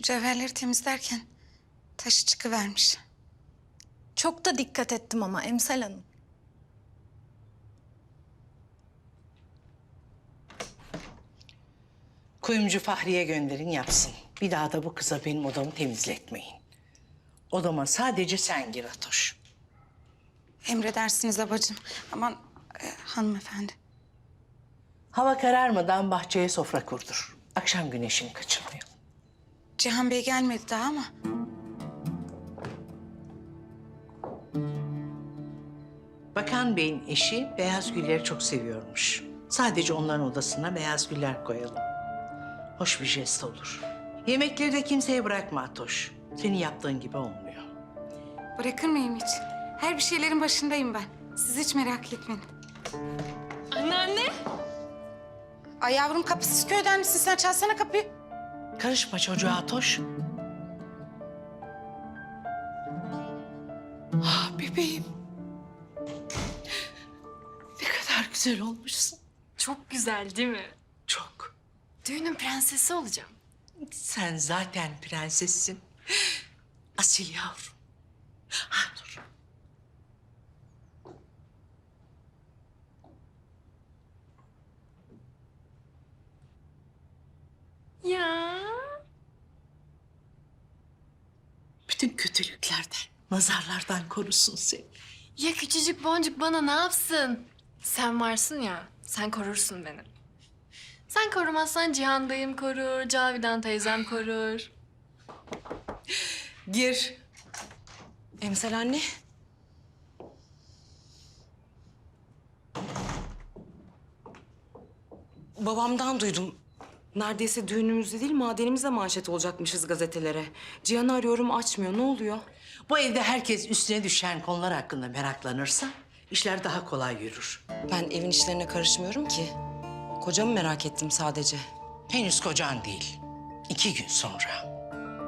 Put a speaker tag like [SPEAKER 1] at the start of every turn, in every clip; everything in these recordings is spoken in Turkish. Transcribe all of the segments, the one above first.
[SPEAKER 1] Mücevherleri temizlerken taşı çıkıvermiş.
[SPEAKER 2] Çok da dikkat ettim ama Emsal Hanım.
[SPEAKER 3] Kuyumcu Fahriye gönderin yapsın. Bir daha da bu kıza benim odamı temizletmeyin. Odama sadece sen gir Atoş.
[SPEAKER 1] Emredersiniz abacığım. Aman hanımefendi.
[SPEAKER 3] Hava kararmadan bahçeye sofra kurdur. Akşam güneşini kaçırmayalım.
[SPEAKER 1] Cihan Bey gelmedi daha ama.
[SPEAKER 3] Bakan Bey'in eşi beyaz gülleri çok seviyormuş. Sadece onların odasına beyaz güller koyalım. Hoş bir jest olur. Yemekleri de kimseye bırakma Atoş. Senin yaptığın gibi olmuyor.
[SPEAKER 1] Bırakır mıyım hiç? Her bir şeylerin başındayım ben. Siz hiç merak etmeyin.
[SPEAKER 2] Anneanne.
[SPEAKER 1] Ay yavrum kapısız köyden misin sen? Çalsana kapıyı.
[SPEAKER 3] Karışma çocuğa Atoş. Ah bebeğim. Ne kadar güzel olmuşsun.
[SPEAKER 4] Çok güzel değil mi?
[SPEAKER 3] Çok.
[SPEAKER 4] Düğünün prensesi olacağım.
[SPEAKER 3] Sen zaten prensessin. Asil yavrum. Ha dur.
[SPEAKER 4] Ya.
[SPEAKER 3] Bütün kötülüklerden, nazarlardan korusun seni.
[SPEAKER 4] Ya küçücük boncuk bana ne yapsın? Sen varsın ya, sen korursun beni. Sen korumazsan Cihan dayım korur, Cavidan teyzem korur.
[SPEAKER 3] Gir.
[SPEAKER 5] Emsal anne. Babamdan duydum. Neredeyse düğünümüzde değil, madenimizde manşet olacakmışız gazetelere. Cihan'ı arıyorum, açmıyor. Ne oluyor?
[SPEAKER 3] Bu evde herkes üstüne düşen konular hakkında meraklanırsa işler daha kolay yürür.
[SPEAKER 5] Ben evin işlerine karışmıyorum ki. Kocamı merak ettim sadece.
[SPEAKER 3] Henüz kocan değil. 2 gün sonra.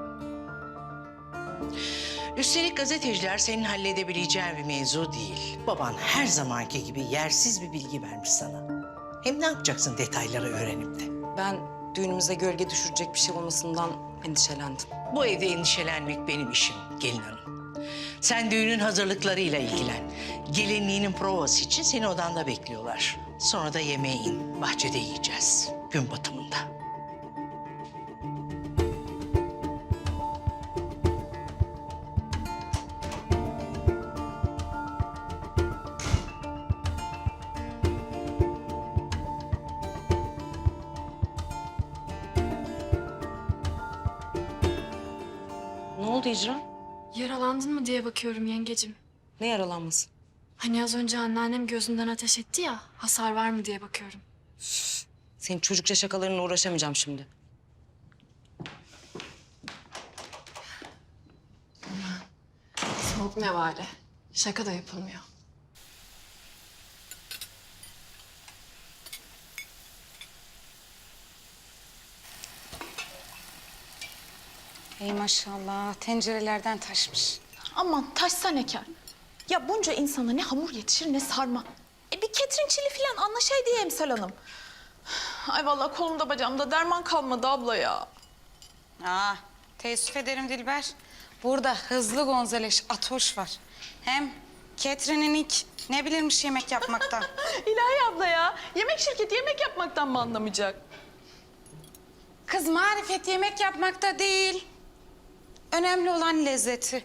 [SPEAKER 3] Üstelik gazeteciler senin halledebileceğin bir mevzu değil. Baban her zamanki gibi yersiz bir bilgi vermiş sana. Hem ne yapacaksın detayları öğrenip de?
[SPEAKER 5] Ben düğünümüze gölge düşürecek bir şey olmasından endişelendim.
[SPEAKER 3] Bu evde endişelenmek benim işim gelin hanım. Sen düğünün hazırlıklarıyla ilgilen. Gelinliğinin provası için seni odanda bekliyorlar. Sonra da yemeğe in. Bahçede yiyeceğiz. Gün batımında.
[SPEAKER 5] Ne oldu İcra?
[SPEAKER 4] Yaralandın mı diye bakıyorum yengecim.
[SPEAKER 5] Ne yaralanması?
[SPEAKER 4] Hani az önce anneannem gözünden ateş etti ya, hasar var mı diye bakıyorum.
[SPEAKER 5] Senin çocukça şakalarınla uğraşamayacağım şimdi.
[SPEAKER 4] Soğuk nevale. Şaka da yapılmıyor.
[SPEAKER 1] Ey maşallah tencerelerden taşmış.
[SPEAKER 2] Aman taşsa ne kâr. Ya bunca insana ne hamur yetişir ne sarma. Bir ketrinçili falan anlaşaydı ya Emsal Hanım. Ay vallahi kolumda bacağımda derman kalmadı abla ya.
[SPEAKER 1] Teessüf ederim Dilber. Burada hızlı Gonzales Atoş var. Hem Catherine'in ilk ne bilirmiş yemek yapmaktan.
[SPEAKER 2] İlahi abla ya. Yemek şirketi yemek yapmaktan mı anlamayacak?
[SPEAKER 1] Kız marifet yemek yapmakta değil. Önemli olan lezzeti.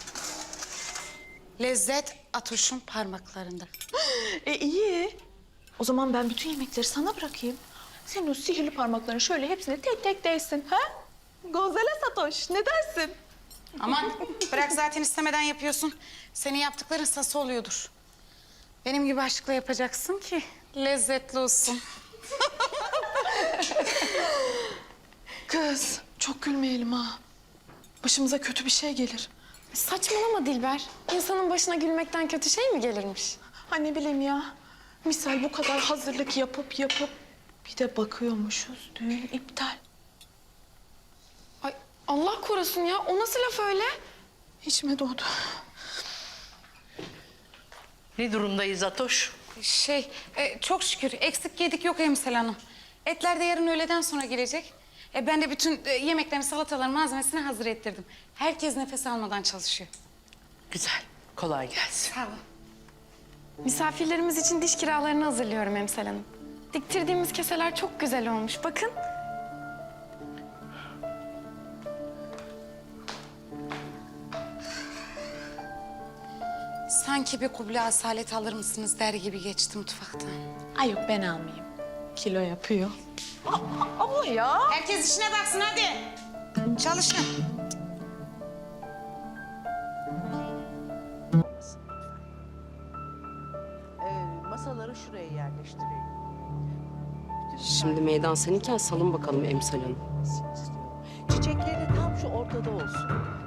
[SPEAKER 1] Lezzet Atoş'un parmaklarında.
[SPEAKER 2] İyi. O zaman ben bütün yemekleri sana bırakayım. Senin o sihirli parmakların şöyle hepsine tek tek değsin. Ha? Gonzales Atoş ne dersin?
[SPEAKER 1] Aman bırak zaten istemeden yapıyorsun. Senin yaptıkların sası oluyordur. Benim gibi aşkla yapacaksın ki lezzetli olsun.
[SPEAKER 2] Kız çok gülmeyelim ha. Başımıza kötü bir şey gelir.
[SPEAKER 4] Saçmalama Dilber. İnsanın başına gülmekten kötü şey mi gelirmiş?
[SPEAKER 2] Ha ne bileyim ya. Misal bu kadar hazırlık yapıp bir de bakıyormuşuz düğün iptal.
[SPEAKER 4] Ay Allah korusun ya. O nasıl laf öyle?
[SPEAKER 2] İçime doğdu.
[SPEAKER 3] Ne durumdayız Atoş?
[SPEAKER 1] Çok şükür eksik yedik yok Emsel Hanım. Etler de yarın öğleden sonra gelecek. Ben de bütün yemeklerin, salataların malzemesini hazır ettirdim. Herkes nefes almadan çalışıyor.
[SPEAKER 3] Güzel. Kolay gelsin.
[SPEAKER 1] Sağ olun.
[SPEAKER 6] Misafirlerimiz için diş kiralarını hazırlıyorum Emsal Hanım. Diktirdiğimiz keseler çok güzel olmuş. Bakın.
[SPEAKER 1] Sanki bir kuble asalet alır mısınız der gibi geçti mutfaktan.
[SPEAKER 2] Ay yok ben almayayım. Kilo yapıyor. Abla ya.
[SPEAKER 1] Herkes işine baksın hadi. Çalışın.
[SPEAKER 3] Masaları şuraya yerleştirelim.
[SPEAKER 5] Şimdi meydan seninken salın bakalım Emsal Hanım.
[SPEAKER 3] Çiçekleri tam şu ortada olsun.